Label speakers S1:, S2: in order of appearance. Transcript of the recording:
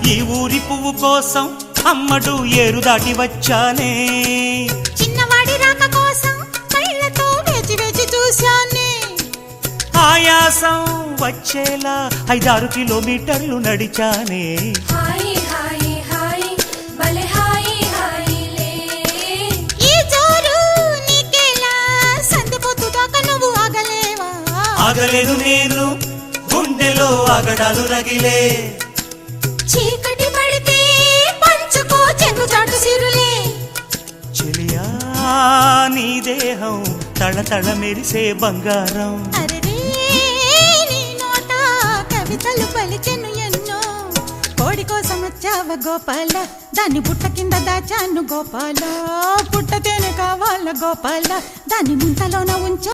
S1: ఈ ఊరి పువ్వు కోసం అమ్మడు ఏరు దాటి వచ్చానే.
S2: చిన్నవాడి రాక కోసం కళ్ళతో వేచి వేచి చూశానే.
S1: ఆయాసం వచ్చేలా 5-6 కిలోమీటర్లు నడిచానే. ఆగలేను నేను, గుండెలో ఆగడాలు రగిలే.
S2: చీకటి పడితే పంచుకో చెంగుచాటు సిరులే.
S1: చెలియా నీ దేహం తళతళ మెరిసే బంగారం.
S2: అరెరే నీ నోట కవితలు పలికెను ఎన్నో. కోడి కోసం వచ్చావ గోపాల, దాన్ని పుట్ట కింద దాచాను గోపాల. పుట్ట తేనె కావాల గోపాల, దాన్ని ముంతలోన ఉంచ